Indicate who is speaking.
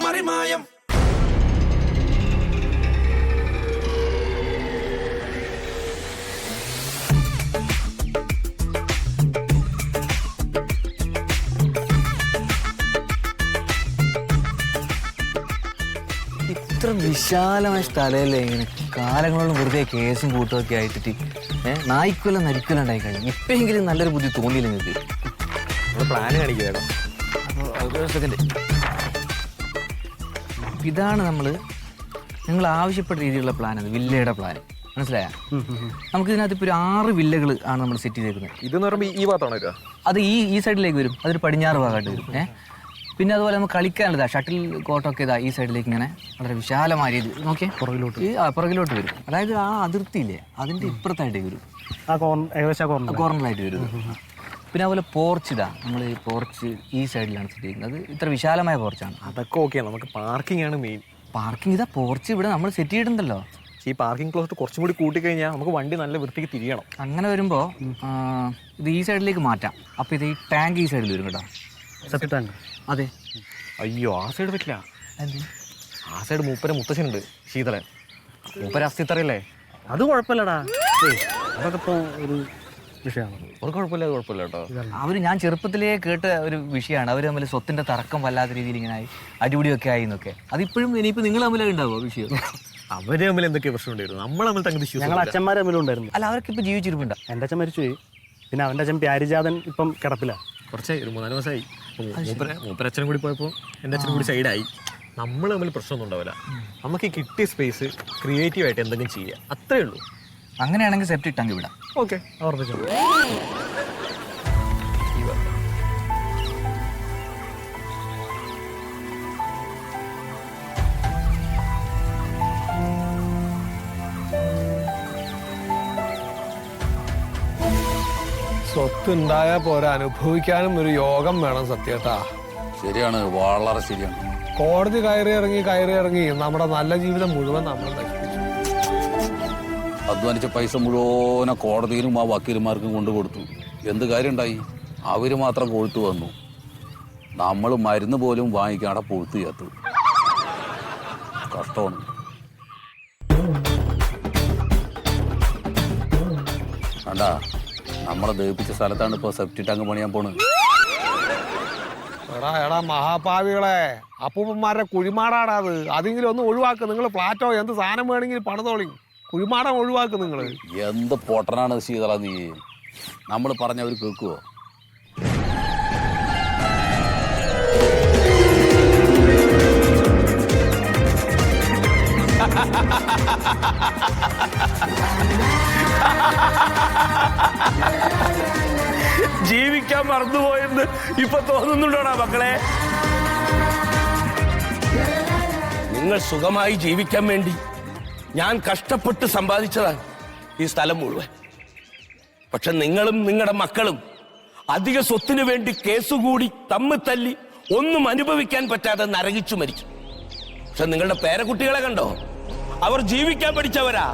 Speaker 1: മറിമായം.
Speaker 2: ഇത്ര വിശാലമായ സ്ഥലമല്ലേ ഇങ്ങനെ കാലങ്ങളോളം വെറുതെ കേസും കൂട്ടുമൊക്കെ ആയിട്ടിട്ട് നായ്ക്കൊല്ലം നരിക്കൊല്ലം ഉണ്ടായി കഴിഞ്ഞു. ഇപ്പെങ്കിലും നല്ലൊരു ബുദ്ധി തോന്നിയില്ല നിങ്ങൾക്ക്.
Speaker 3: പ്ലാന് കാണിക്കുക.
Speaker 2: അപ്പോൾ സെക്കൻഡ്, ഇതാണ് നിങ്ങൾ ആവശ്യപ്പെട്ട രീതിയിലുള്ള പ്ലാൻ. അത് വില്ലയുടെ പ്ലാൻ മനസ്സിലായ? നമുക്ക് ഇതിനകത്ത് ഇപ്പോൾ ഒരു 6 വില്ലകൾ ആണ് നമ്മൾ സെറ്റ് ചെയ്തേക്കുന്നത്.
Speaker 3: ഇതെന്ന് പറയുമ്പോൾ ഈ ഭാഗത്താണോ വരിക?
Speaker 2: അത് ഈ സൈഡിലേക്ക് വരും. അതൊരു പടിഞ്ഞാറ് ഭാഗമായിട്ട് വരും. പിന്നെ അതുപോലെ നമുക്ക് കളിക്കാനുള്ളതാ ഷട്ടിൽ കോട്ടൊക്കെ ഇതാ ഈ സൈഡിലേക്ക് ഇങ്ങനെ വളരെ വിശാലമായ രീതി നോക്കിയേ പുറകിലോട്ട് വരും. അതായത് ആ അതിർത്തിയില്ലേ അതിൻ്റെ ഇപ്പുറത്തായിട്ടേക്ക് വരും, കോർണറായിട്ട് വരും. പിന്നെ അതുപോലെ പോർച്ച് ഇതാ, നമ്മൾ ഈ പോർച്ച് ഈ സൈഡിലാണ് സെറ്റ് ചെയ്യുന്നത്. അത് ഇത്ര വിശാലമായ പോർച്ചാണ്.
Speaker 3: അതൊക്കെ ഓക്കെയാണ്, നമുക്ക് പാർക്കിംഗ് ആണ് മെയിൻ.
Speaker 2: പാർക്കിംഗ് ഇതാ പോർച്ച് ഇവിടെ നമ്മൾ സെറ്റ് ചെയ്തിട്ടുണ്ടല്ലോ.
Speaker 3: ഈ പാർക്കിംഗ് ക്ലോസ് കുറച്ചും കൂടി കൂട്ടിക്കഴിഞ്ഞാൽ നമുക്ക് വണ്ടി നല്ല വൃത്തിക്ക് തിരിയണം.
Speaker 2: അങ്ങനെ വരുമ്പോൾ ഇത് ഈ സൈഡിലേക്ക് മാറ്റാം. അപ്പോൾ ഇത് ഈ ടാങ്ക് ഈ സൈഡിൽ വരും കേട്ടോ. അതെ.
Speaker 3: അയ്യോ ആ സൈഡ് പറ്റില്ല. ആ സൈഡ് മുത്തശ്ശനുണ്ട്, ശീതളൻ. മൂപ്പര അസ്ഥിത്തറയല്ലേ?
Speaker 4: അത് കുഴപ്പമില്ലടാ, അതൊക്കെ ഇപ്പോൾ ഒരു വിഷയമാണ്.
Speaker 3: അത് കുഴപ്പമില്ല കേട്ടോ.
Speaker 2: ഞാൻ ചെറുപ്പത്തിലേ കേട്ട ഒരു വിഷയമാണ്. അവർ തമ്മിൽ സ്വത്തിന്റെ തർക്കം വല്ലാത്ത രീതിയിൽ ഇങ്ങനെ ആയി, അടിപിടിയൊക്കെ ആയി എന്നൊക്കെ. അതിപ്പോഴും ഇനിയിപ്പോൾ നിങ്ങൾ തമ്മിൽ ഉണ്ടാവുമോ വിഷയം?
Speaker 3: അവര് തമ്മിൽ എന്തൊക്കെ പ്രശ്നം ഉണ്ടായിരുന്നു, നമ്മൾ തമ്മിൽ തങ്ങൾ
Speaker 4: ഞങ്ങൾ അച്ഛന്മാർ തമ്മിലും ഉണ്ടായിരുന്നു.
Speaker 2: അല്ല, അവർക്ക് ഇപ്പൊ ജീവിച്ചിരിപ്പുണ്ടോ?
Speaker 4: എൻ്റെ അച്ഛൻ മരിച്ചുപോയി. പിന്നെ അവൻ്റെ അച്ഛൻ പ്യാരിജാതൻ ഇപ്പം കിടപ്പില്ല.
Speaker 3: കുറച്ചായി, ഒരു 3-4 മാസമായി. മൂപ്പരച്ഛനും കൂടി പോയപ്പോൾ എൻ്റെ അച്ഛനും കൂടി സൈഡായി. നമ്മൾ തമ്മിൽ പ്രശ്നമൊന്നും ഉണ്ടാവില്ല. നമുക്ക് ഈ കിട്ടിയ സ്പേസ് ക്രിയേറ്റീവായിട്ട് എന്തെങ്കിലും ചെയ്യുക, അത്രേ ഉള്ളൂ.
Speaker 2: അങ്ങനെയാണെങ്കിൽ സെപ്റ്റ് ഇട്ടെങ്കിൽ വിടാം.
Speaker 3: ഓക്കെ, ഓർമ്മിച്ചോ.
Speaker 5: സ്വത്തുണ്ടായാൽ പോരാ, അനുഭവിക്കാനും ഒരു യോഗം വേണം. സത്യേട്ടാ,
Speaker 6: ശരിയാണ്, വളരെ ശരിയാണ്.
Speaker 5: കോടതി കയറി ഇറങ്ങി നമ്മുടെ നല്ല ജീവിതം മുഴുവൻ നമ്മൾ നശിപ്പിച്ചു.
Speaker 6: അധ്വാനിച്ച പൈസ മുഴുവനെ കോടതിയിലും ആ വക്കീലുമാർക്കും കൊണ്ടുകൊടുത്തു. എന്ത് കാര്യം ഉണ്ടായി? അവര് മാത്രം കൊഴുത്തു വന്നു. നമ്മൾ മരുന്ന് പോലും വാങ്ങിക്കാടെ പൊഴുത്തു ചേർത്തു. കഷ്ടമാണ്. വേണ്ടാ, നമ്മളെ ദഹിപ്പിച്ച സ്ഥലത്താണ് ഇപ്പോൾ സെപ്റ്റി ടാങ്ക് പണിയാൻ പോണത്.
Speaker 5: എടാ മഹാഭാവികളെ, അപ്പൂപ്പന്മാരുടെ കുഴിമാടാടാ അത്. അതെങ്കിലും ഒന്ന് ഒഴിവാക്ക്. നിങ്ങൾ ഫ്ലാറ്റോ എന്ത് സാധനം വേണമെങ്കിൽ പണിതോളി. കുഴിമാടം ഒഴിവാക്ക് നിങ്ങൾ.
Speaker 6: എന്ത് പൊട്ടനാണ് ശീതള നീ. നമ്മൾ പറഞ്ഞവർ കേൾക്കുവോ?
Speaker 1: ജീവിക്കാൻ മറന്നുപോയെന്ന് ഇപ്പൊ തോന്നുന്നുണ്ടോടാ മക്കളെ? നിങ്ങൾ സുഖമായി ജീവിക്കാൻ വേണ്ടി ഞാൻ കഷ്ടപ്പെട്ട് സമ്പാദിച്ചതാണ് ഈ സ്ഥലം മുഴുവൻ. പക്ഷെ നിങ്ങളും നിങ്ങളുടെ മക്കളും അധിക സ്വത്തിനു വേണ്ടി കേസുകൂടി തമ്മിൽ തല്ലി ഒന്നും അനുഭവിക്കാൻ പറ്റാതെ നരകിച്ചു മരിച്ചു. പക്ഷെ നിങ്ങളുടെ പേരക്കുട്ടികളെ കണ്ടോ? അവർ ജീവിക്കാൻ പഠിച്ചവരാ.